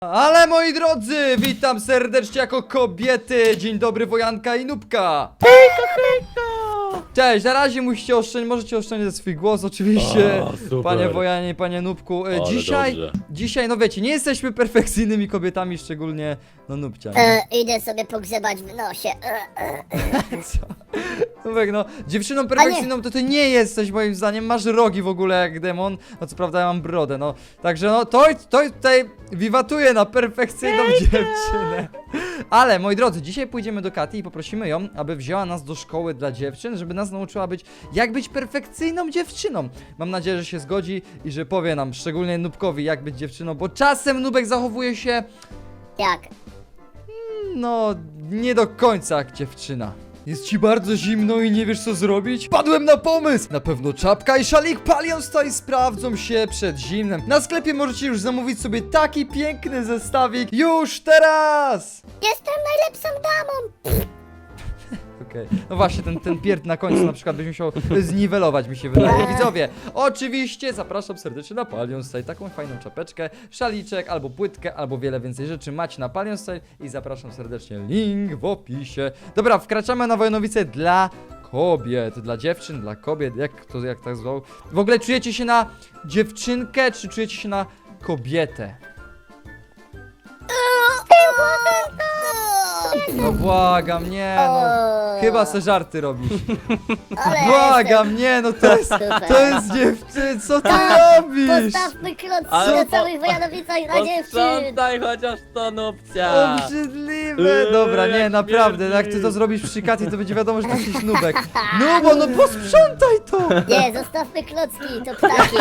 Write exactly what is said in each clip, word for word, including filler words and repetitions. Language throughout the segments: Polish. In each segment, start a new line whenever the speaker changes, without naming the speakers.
Ale moi drodzy, witam serdecznie jako kobiety. Dzień dobry, Wojanka i Nubka.
Hejka, hejka!
Cześć, na razie musicie oszczędzić, możecie oszczędzić swój głos oczywiście.
O, super.
Panie Wojanie i panie Nubku. E,
Ale
Dzisiaj,
dobrze.
dzisiaj, no wiecie, nie jesteśmy perfekcyjnymi kobietami, szczególnie no Nubcia. nie?
E, idę sobie pogrzebać w nosie. E, e.
Co? Nubek, no, dziewczyną perfekcyjną to ty nie jesteś moim zdaniem, masz rogi w ogóle jak demon, no co prawda ja mam brodę, no. Także no, to, to tutaj wiwatuje na perfekcyjną dziewczynę. Ale, moi drodzy, dzisiaj pójdziemy do Kati i poprosimy ją, aby wzięła nas do szkoły dla dziewczyn, żeby nas nauczyła być, jak być perfekcyjną dziewczyną. Mam nadzieję, że się zgodzi i że powie nam, szczególnie Nubkowi, jak być dziewczyną, bo czasem Nubek zachowuje się,
Jak?
no, nie do końca jak dziewczyna. Jest ci bardzo zimno i nie wiesz co zrobić? Padłem na pomysł! Na pewno czapka i szalik Palion stoi sprawdzą się przed zimnem. Na sklepie możecie już zamówić sobie taki piękny zestawik już teraz!
Jestem najlepszą damą!
Okej, no właśnie, ten, ten pierd na końcu na przykład byś musiał zniwelować, mi się wydaje. Widzowie, oczywiście zapraszam serdecznie na Palion Style. Taką fajną czapeczkę, szaliczek, albo płytkę, albo wiele więcej rzeczy macie na Palion Style i zapraszam serdecznie, link w opisie. Dobra, wkraczamy na Wojanowice dla kobiet, dla dziewczyn, dla kobiet, jak to, jak tak zwał. W ogóle czujecie się na dziewczynkę, czy czujecie się na kobietę? No błagam, nie no. Chyba se żarty robisz.
Ale
Błagam, nie no, to jest,
Super.
to jest dziewczyn, co ty
Tak,
robisz?
Postawmy klocki
Ale
na
po-
całych Wojanowicach dla dziewczyn!
Posprzątaj chociaż to, Nubcia!
Obrzydliwe.
Eee,
Dobra, nie,
jak
naprawdę,
śmierdzi.
jak ty to zrobisz przy Kati, to będzie wiadomo, że to jakiś nubek. No bo no posprzątaj to!
Nie, zostawmy klocki, to ptaki!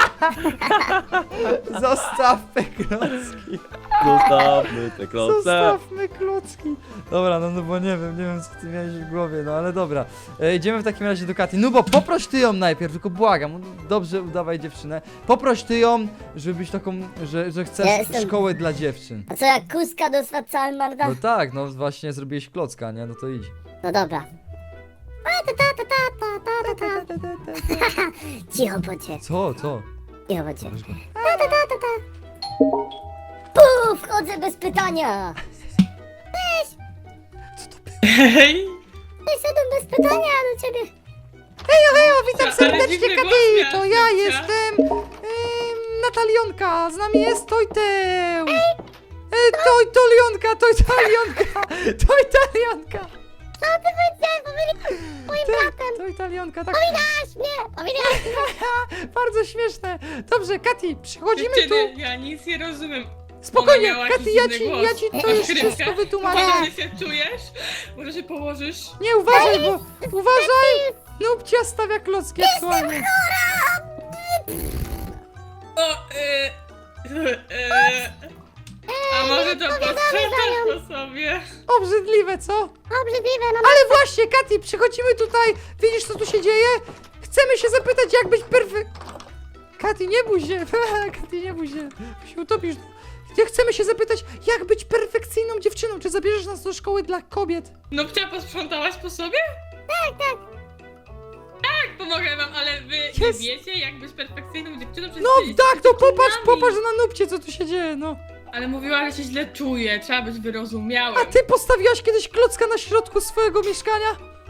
Zostawmy klocki.
Zostawmy te kloce.
Zostawmy klocki. Dobra, no, no bo nie wiem, nie wiem co ty miałeś w głowie, no ale dobra. E, idziemy w takim razie do Kati. No bo poproś ty ją najpierw, tylko błagam, dobrze udawaj dziewczynę. Poproś ty ją, żeby być taką, że, że chcesz
Ja jestem-
szkołę dla dziewczyn.
A co jak kuska dostała cały marda?
No tak, no właśnie zrobiłeś klocka, nie? No to idź.
No dobra. A, ta, ta, ta, ta, ta, ta, ta, ta. Cicho bądźcie,
Co, co?
cicho bądźcie.
Weź go.
Ta, ta, ta, ta, ta. Puf, wchodzę bez pytania!
Co to było?
Hej!
Wyszedłem bez pytania do ciebie!
Hejo, hejo, witam
Ale
serdecznie,
dziwny
Kati!
głos miałaś,
To ja
Nubcia.
jestem em, Natalionka, z nami jest Tojteł! E, Toj, Tolionka, Tojtalionka! Tojtalionka!
Co ty powiedziałeś? Powiedziałeś moim bratem!
Tojtalionka, tak.
Powiedziałaś mnie! Powiedziałaś!
Bardzo śmieszne. Dobrze, Kati, przychodzimy tu.
Dziewczyny, ja nic nie rozumiem.
Spokojnie,
Ona miała
Kati,
jakiś
ja
dziwny
ci,
głos.
ja ci to
Masz
już
krywkę?
wszystko wytłumaczę.
Może się czujesz? Może się położysz?
Nie, uważaj, bo uważaj! Nubcia stawia klocki aktualnie.
O, y, y, a może to posprzątasz po sobie?
Obrzydliwe, co?
Obrzydliwe, no
Ale właśnie, Kati, przychodzimy tutaj. Widzisz, co tu się dzieje? Chcemy się zapytać, jak być perfek... Kati, nie bój się. Kati, nie bój się. Się utopisz. Ja chcemy się zapytać, jak być perfekcyjną dziewczyną. Czy zabierzesz nas do szkoły dla kobiet?
No pcia, posprzątałaś po sobie? Tak, tak. Tak, pomogę wam, ale wy nie
Jest.
wiecie, jak być perfekcyjną dziewczyną? Przecież
No
jesteście
tak, to popatrz,
dziewczynami.
popatrz na Nubcie, co tu się dzieje, no.
Ale mówiła, że się źle czuje, trzeba być wyrozumiałym.
A ty postawiłaś kiedyś klocka na środku swojego mieszkania?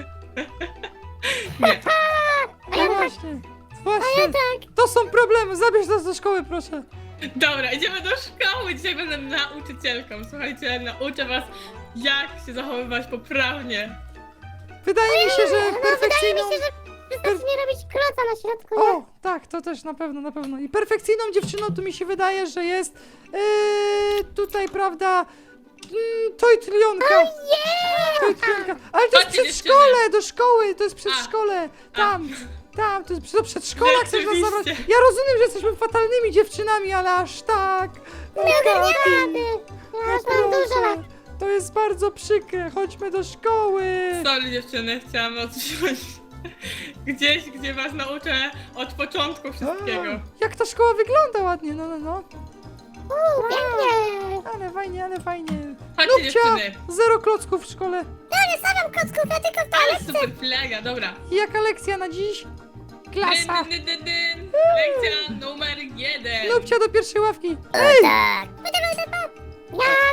Nie.
No właśnie. Właśnie. To są problemy, zabierz nas do szkoły, proszę.
Dobra, idziemy do szkoły. Dzisiaj będę nauczycielką. Słuchajcie, nauczę was, jak się zachowywać poprawnie.
Wydaje mi się, że
Wydaje mi
perfekcyjną...
się, że wystarczy nie robić kloca na środku, nie?
O, tak, to też na pewno, na pewno. I perfekcyjną dziewczyną tu mi się wydaje, że jest yy, tutaj, prawda, yy, Tojtlionka. Tojtlionka. Ale to jest
Chodźcie,
przedszkole, do szkoły, to jest
A.
przedszkole. Tam, tam, to jest do przedszkola, chcesz nas zabrać.
Rzeczywiście.
Ja rozumiem, że jesteśmy fatalnymi dziewczynami, ale aż tak. No, Kati,
Ja już mam dużo lat.
proszę. To jest bardzo przykre, chodźmy do szkoły.
Sorry dziewczyny, chciałam odciąć gdzieś, gdzie was nauczę od początku wszystkiego.
A, jak ta szkoła wygląda ładnie, no, no, no.
Uuu, pięknie!
Ale fajnie, ale fajnie.
Chodźcie
Nubcia,
dziewczyny.
zero klocków w szkole.
Ja nie stawiam klocków, ja tylko w
Ale
toalecie.
super flaga, dobra.
I jaka lekcja na dziś? Klasa.
Dyn, dyn, dyn, dyn. Lekcja numer jeden.
Nubcia do pierwszej ławki.
O tak.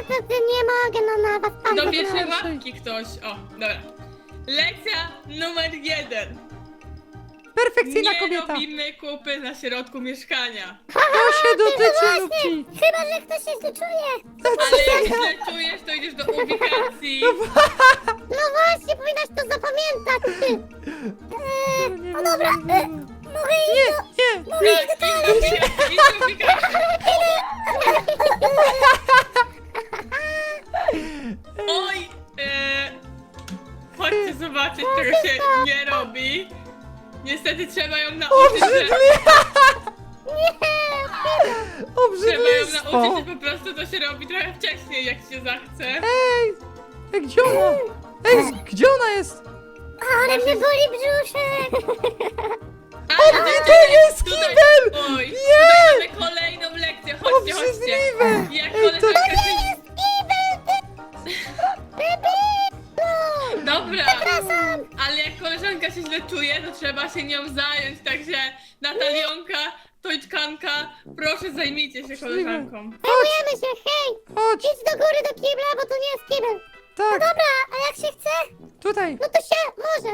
to, to nie mogę, no na was pan
Do pierwszej
wygląda.
łapki ktoś. O, dobra. Lekcja numer jeden.
Perfekcyjna
Nie
kobieta.
robimy kupy na środku mieszkania.
To się dotyczy
Właśnie,
Nubci.
chyba, że ktoś się źle czuje.
Ale jak źle czujesz, to idziesz do ubikacji.
No właśnie, powinnaś to zapamiętać, ty. Eee, no dobra, e, mogę iść do...
Nie,
Mogę iść do toalety?
Idź do ubikacji. Oj, e, chodźcie zobaczyć, czego się nie robi. Niestety trzeba ją nauczyć, że,
Nie,
trzeba ją
obrzydlistwo.
nauczyć, że po prostu to się robi trochę wcześniej, jak się zachce.
Ej, ej, gdzie ona? Ej, gdzie ona jest?
ale mnie boli brzuszek.
Ale
To jest kibel!
Oj,
Nie!
tutaj mamy kolejną lekcję, chodźcie, chodźcie.
Obrzydliwe.
Jak
Ej, to
koleżanka się...
No,
Dobra,
przepraszam.
ale jak koleżanka się źle czuje, to trzeba się nią zająć, także Natalionka, Tojczkanka, proszę zajmijcie się koleżanką.
Zajmujemy się, hej.
Chodź,
Idź do góry do kibla, bo to nie jest kibel.
tak,
Dobra, a jak się chce?
tutaj.
No to się może.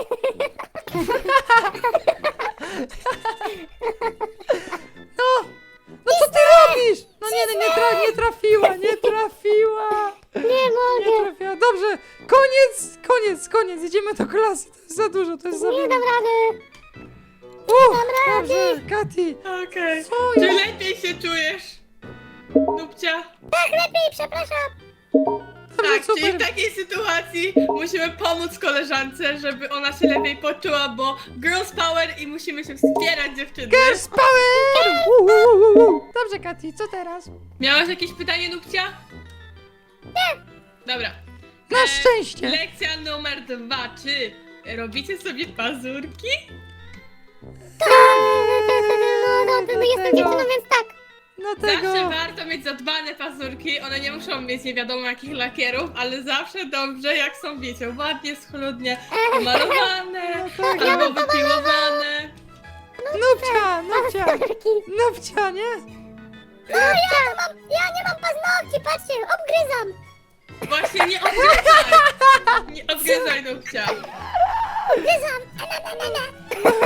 No, no co ty robisz? No nie, nie, nie, tra nie trafiła, nie trafiła.
Nie
Nie
mogę.
trafiła. Dobrze, koniec, koniec, koniec. Idziemy do klasy. To jest za dużo, to jest za
Nie
wiele.
dam rady.
Uff,
rady.
dobrze, Kati.
Okej.
Co
Czy
jest?
lepiej się czujesz? Nupcia?
Tak, lepiej, przepraszam.
Dobrze,
Tak, czyli w
super.
takiej sytuacji musimy pomóc koleżance, żeby ona się lepiej poczuła, bo girls power i musimy się wspierać, dziewczyny.
Girls power! U, u, u, u. Dobrze, Kati, co teraz?
Miałaś jakieś pytanie, Nupcia? Nie. Dobra.
Na
E,
szczęście.
Lekcja numer dwa. Czy robicie sobie pazurki?
No, no, no, jestem dziewczyną, więc tak.
Dlatego...
Zawsze warto mieć zadbane pazurki. One nie muszą mieć nie wiadomo jakich lakierów, ale zawsze dobrze, jak są, wiecie, ładnie, schludnie pomalowane
No tak.
albo wypiłowane.
Nupcia, Nupcia,
Pazurki.
Nupcia, nie?
No, ja, to mam, ja nie mam paznokci, patrzcie, obgryzam.
Właśnie nie odgryzaj! Nie odgryzaj, Nupcia.
Obgryzam. Na, na, na, na.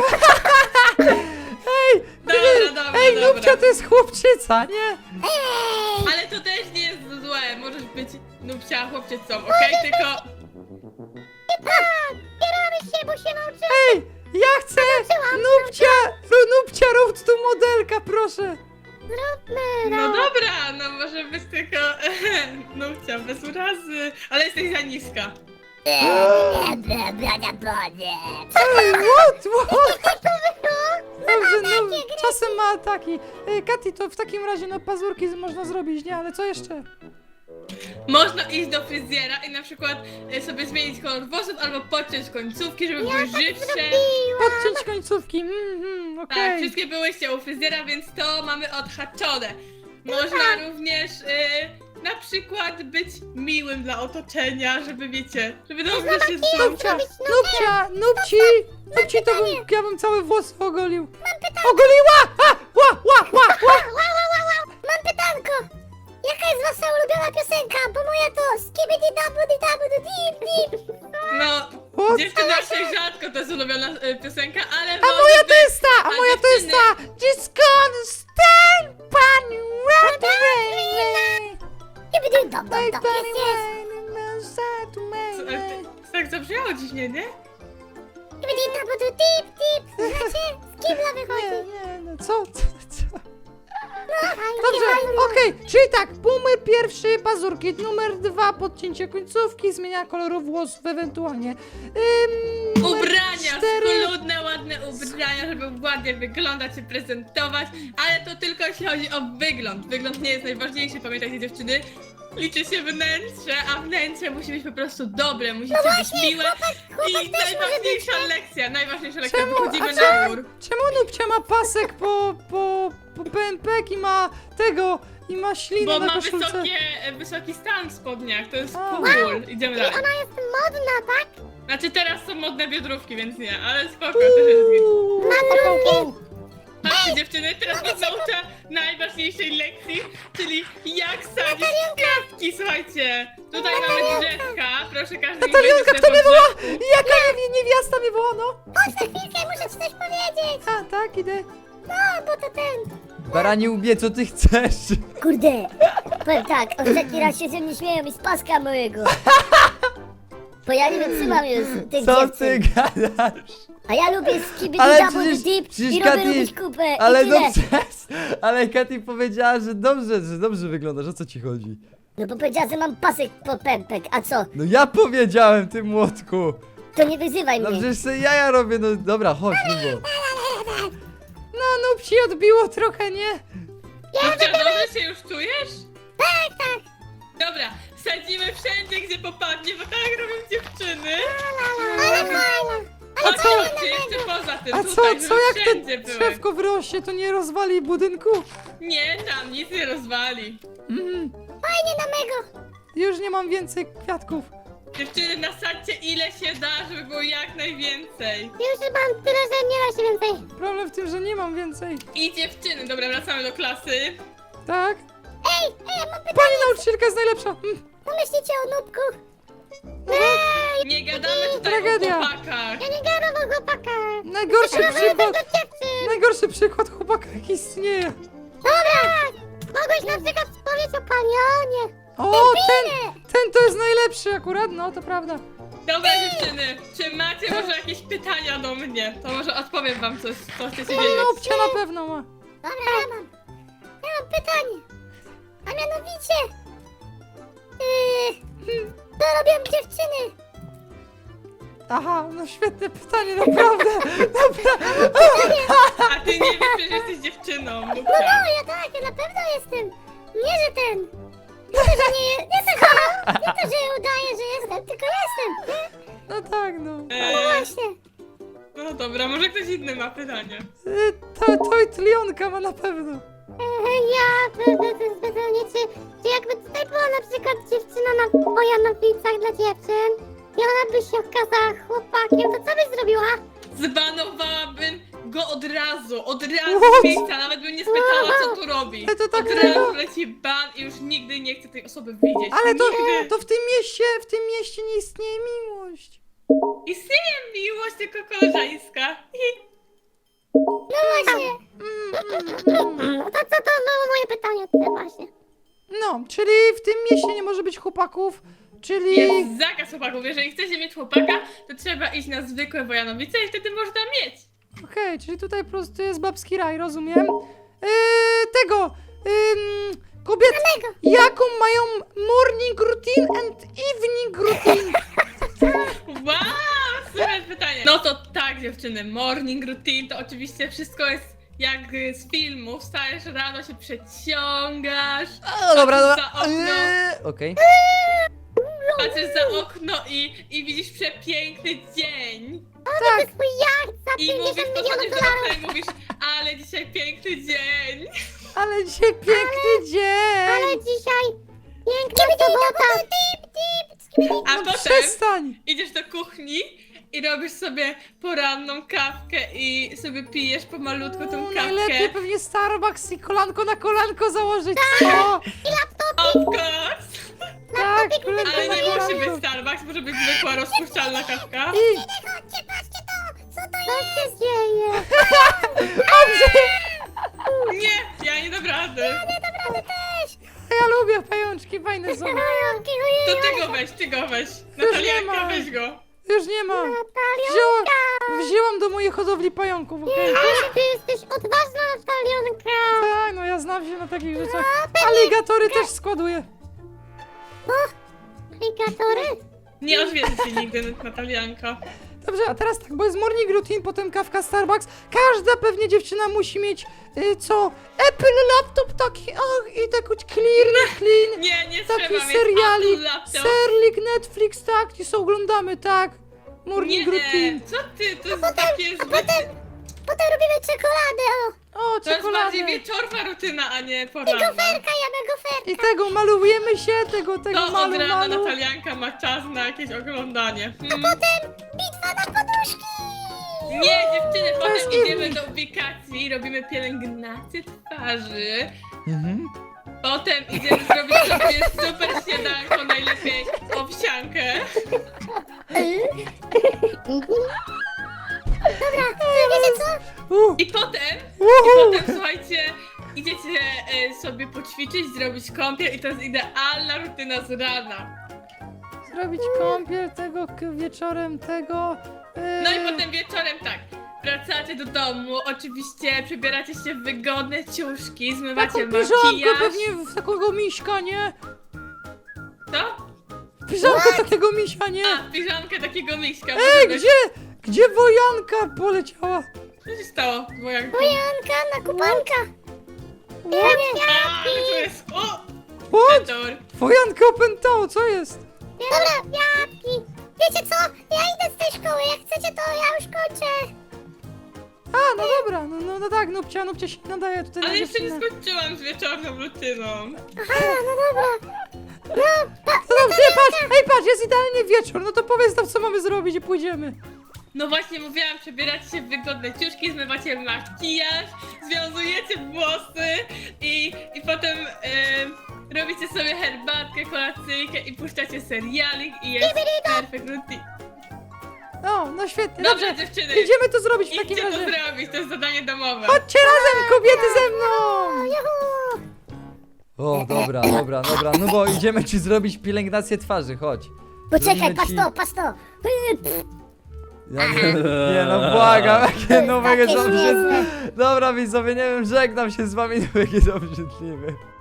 Ej,
Dobra,
nie,
dobra,
ej,
dobra.
Nupcia to jest chłopczyca, nie?
Ej,
Ale to też nie jest złe. Możesz być Nupcia chłopczycą, okej? Tylko
tak, bieramy się, bo się nauczymy.
Ej, ja chcę Nupcia, ru- Nupcia, rób tu modelka, proszę.
Zróbmy,
no
no.
dobra, no może być tylko Nupcia bez urazy, ale jesteś za niska.
Ej, what, what? Dobrze, no, czasem ma ataki. Ej, Kati, to w takim razie no pazurki można zrobić, nie? Ale co jeszcze?
Można iść do fryzjera i na przykład e, sobie zmienić kolor włosów albo podciąć końcówki, żeby były żywsze.
Podciąć końcówki, mhm,
Tak,
okej.
wszystkie byłyście u fryzjera, więc to mamy odhaczone. Można również y, na przykład być miłym dla otoczenia, żeby wiecie, żeby dobrze się czuć.
Nupcia, Nupcia, Nupci, Nupci to bym, ja bym całe włosy ogolił. Ogoliła! A, ła, ła, ła, ła.
Wow, wow, wow, wow. Mam pytanko. Jaka jest wasza ulubiona piosenka? Bo moja to skibidi dabudi dabudi dip dip.
No,
What?
dziewczyna się rzadko to jest ulubiona y, piosenka, ale
A moja to jest ta, a
A
moja to jest ta. Just gonna stand by you right away.
Skibidi dab dab
Like
dab.
Bunny
Jest, jest.
Wine and side to
Co,
me.
e, ty- tak zabrzmiało dziwnie, nie?
Skibidi dabudi dip dip. Znaczy, z kibla
Nie,
wychodzi.
nie, no co, co, co?
No,
Dobrze, okej, czyli tak, numer pierwszy, pazurki, numer dwa, podcięcie końcówki, zmienia koloru włosów ewentualnie. Ym, numer
Ubrania,
cztery,
schludne, ładne ubrania, żeby ładnie wyglądać i prezentować, ale to tylko jeśli chodzi o wygląd. Wygląd nie jest najważniejszy, pamiętajcie dziewczyny. Liczy się wnętrze, a wnętrze musi być po prostu dobre, musicie być miłe. I
chłopak też może
najważniejsza
być,
lekcja, najważniejsza lekcja,
Czemu?
wychodzimy
A
na
czemu?
dwór.
Czemu Nupcia ma pasek po, po, po P N P i ma tego, i ma ślinę
Bo
na
ma
koszulce?
wysokie, wysoki stan w spodniach, to jest
A.
cool. Idziemy dalej.
Ona jest modna, tak?
Znaczy teraz są modne biodrówki, więc nie, ale spoko, też jest git.
Madrówki.
Patrzcie dziewczyny, teraz was nauczę najważniejszej lekcji, czyli jak sadzić kwiatki. Kubki, słuchajcie. Tutaj mamy drzewka, proszę każdy mi
Natalionka,
wejdzie
kto
sobie
mnie
pod
woła?
drzewku.
Jaka niewi- niewiasta mnie woła, no?
Chodź na chwilkę, muszę ci coś powiedzieć.
A, tak, idę.
No, bo to ten...
Baranie łbie, co ty chcesz?
Kurde, powiem tak, ostatni raz się ze mnie śmieją i z paska mojego. Bo ja nie wytrzymam już tych
Co ty
dziewczyn.
gadasz?
A ja lubię skibidi
Ale
double
przecież-
dip
przecież
i lubię
Katy-
robić kupę
Ale
i tyle.
no przez... Ale Katy powiedziała, że dobrze, że dobrze wyglądasz, o co ci chodzi?
No bo powiedziała, że mam pasek po pępek, a co?
No ja powiedziałem, ty młotku!
To nie wyzywaj
No
mnie.
przecież sobie jaja robię, no dobra, chodź, Lubo. No, no ci odbiło trochę, nie?
Nupcia, dobrze się już czujesz? Tak, tak. Dobra, sadzimy wszędzie, gdzie popadnie, bo tak robią dziewczyny.
Ale fajna.
Chodź, chodźcie, jeszcze poza tym,
A
tutaj,
co,
żeby
co jak to
wszędzie były.
drzewko wyrośnie, to nie rozwali budynku?
Nie, tam nic nie rozwali.
Mm,
Fajnie na mego.
już nie mam więcej kwiatków.
Dziewczyny, nasadźcie ile się da, żeby było jak najwięcej.
Już mam tyle, że nie da się więcej.
Problem w tym, że nie mam więcej.
I dziewczyny, dobra, wracamy do klasy.
Tak?
Ej, ej, ja mam pytanie.
Pani nauczycielka jest najlepsza. Mm,
Co myślicie o nubku?
no,
Ej,
Nie gadamy tutaj
Tragedia.
o chłopakach.
ja nie gadam o chłopaka.
najgorszy
Ja mówię
przykład.
do dziewczyn.
Najgorszy przykład chłopaka, jaki istnieje.
Dobra, mogłeś na przykład powiedzieć o palionie.
O, ten, ten to jest najlepszy akurat, no to prawda.
Dobra, dziewczyny, czy macie może jakieś pytania do mnie? To może odpowiem wam coś, co chcecie
No,
wiedzieć.
Nupcia na pewno ma.
Dobra, ja mam. Ja mam pytanie. A mianowicie... Yy, co robią dziewczyny?
Aha, no świetne pytanie, naprawdę. Dobra.
A ty nie wiesz, że jesteś dziewczyną,
No,
Nupcia.
no, ja tak, ja na pewno jestem. Nie, że ten. Nie to, że nie, nie to, że, nie to, że udaję, że jestem, tylko jestem.
No tak, no.
No
Eee,
właśnie.
no dobra, może ktoś inny ma pytanie.
Y, To, to i tlionka ma na pewno.
E, Ja, to, to, to jest pytanie, czy, czy jakby tutaj była na przykład dziewczyna na Bojanowicach dla dziewczyn i ona by się okazała chłopakiem, to co byś zrobiła?
Zbanowałabym go od razu, od razu
What?
z miejsca, nawet bym nie spytała, co tu robi.
Ale to tak
Od
było.
razu leci ban i już nigdy nie chcę tej osoby widzieć.
Ale to,
Nigdy.
to w tym mieście, w tym mieście nie istnieje miłość.
Istnieje miłość, tylko koleżeńska.
No właśnie. No to co to było moje pytanie tutaj właśnie?
No, czyli w tym mieście nie może być chłopaków, czyli...
Jest zakaz chłopaków. Jeżeli chcecie mieć chłopaka, to trzeba iść na zwykłe Wojanowice i wtedy można mieć.
Okej, czyli tutaj po prostu jest babski raj, rozumiem. Yy, tego, ym, kobiety, jaką mają morning routine and evening routine?
Wow, super pytanie. No to tak, dziewczyny, morning routine to oczywiście wszystko jest jak z filmu. Wstajesz rano, się przeciągasz,
O, dobra,
Patrzysz
dobra.
za okno.
Yy, Okej.
patrzysz za okno i, i widzisz przepiękny dzień.
To jest mój jacht za
I mówisz,
pięćdziesiąt
podchodzisz
milionów
do okna
dolarów.
i mówisz, ale dzisiaj piękny dzień.
Ale dzisiaj piękny dzień.
Ale dzisiaj piękna sobota.
A
No
potem
przestań.
idziesz do kuchni i robisz sobie poranną kawkę i sobie pijesz pomalutko tą
O, najlepiej
kawkę.
pewnie Starbucks i kolanko na kolanko założyć, co?
Of course!
Tak, kolanko
Ale
na
nie musi być
kolanko.
Starbucks, może być zwykła rozpuszczalna kawka.
I
Chodźcie, patrzcie to. Co to jest? Co się dzieje?
Nie, ja nie dam rady.
Naprawdę też.
ja lubię pajączki, fajne są.
Pająki,
To
ojej.
ty go weź, ty go weź.
nie ma.
Natalianka, weź go.
Już nie ma. Wzięłam, wzięłam do mojej hodowli pająków, okej?
Ale ty jesteś odważna, Natalionka.
Tak, no ja znam się na takich rzeczach. Aligatory też składuję.
Aplikatory?
Nie odwiedzi cię nigdy, Natalianka.
Dobrze, a teraz tak, bo jest morning routine, potem kawka Starbucks. Każda pewnie dziewczyna musi mieć, y, co? Apple laptop taki, ach, i tak clear, clean.
Nie, nie
Taki
trzeba mieć
seriali,
Apple laptop.
serlik, Netflix, tak, i co oglądamy, tak.
Nie,
Morning
nie,
routine.
co ty, to jest takie zbyt...
Potem robimy czekoladę, o.
O,
To jest bardziej
czekoladę.
wieczorna rutyna, a nie poranna.
Goferka, ja mam goferkę.
I tego, malujemy się, tego,
To
tego,
od
malu,
rana
malu.
Natalianka ma czas na jakieś oglądanie. Hmm.
Potem bitwa na poduszki.
Nie, dziewczyny,
To
potem
jest
idziemy
inny.
do ubikacji, robimy pielęgnację twarzy.
Mhm.
Potem idziemy zrobić sobie super śniadanko, najlepiej owsiankę.
Dobra, to wiecie co?
Uh,
I potem, i
uhu.
potem słuchajcie, idziecie e, sobie poćwiczyć, zrobić kąpiel i to jest idealna rutyna z rana.
Zrobić kąpiel tego k- wieczorem, tego... e,
No i potem wieczorem tak, wracacie do domu, oczywiście przebieracie się w wygodne ciuszki, zmywacie
Taką piżamkę
makijaż.
pewnie w takiego miśka, nie?
Co?
Piżamkę takiego misia, nie?
A, piżamkę takiego miśka.
Ej,
może być-
gdzie? Gdzie wojanka poleciała?
Co się stało, wojanku?
Bojanka na kupanka. Ja nie.
A, to jest... O!
What?
Petor.
Wojanka opętało, co jest?
Dobra, jabłki. Wiecie co? Ja idę z tej szkoły, jak chcecie to ja już kończę.
A, no dobra, no, no, no tak, Nupcia, Nupcia się nadaje tutaj na
Ale jeszcze nie
dziewczynę.
skończyłam z wieczorną rutyną.
Aha, no dobra. No, pa,
No dobrze, patrz, ej, patrz, jest idealnie wieczór, no to powiedz nam, co mamy zrobić i pójdziemy.
No właśnie mówiłam, przebieracie się w wygodne ciuszki, zmywacie makijaż, związujecie włosy i, i potem em, robicie sobie herbatkę, kolacyjkę i puszczacie serialik i jest perfect routine.
No, no świetnie,
Dobrze,
dobrze.
dziewczyny,
Idziemy to zrobić w takim
idźcie to
razie.
zrobić, to jest zadanie domowe.
Chodźcie razem, kobiety ze mną!
juhu.
O, dobra, dobra, dobra, no bo idziemy ci zrobić pielęgnację twarzy, chodź.
Poczekaj,
Zrobimy
patrz
ci-
to, patrz to.
Ja nie, nie no błagam, jakie nowego
Takie
są brzydliwe.
śmieszne.
Dobra widzowie, nie wiem, żegnam się z wami, no jakie są brzydliwe.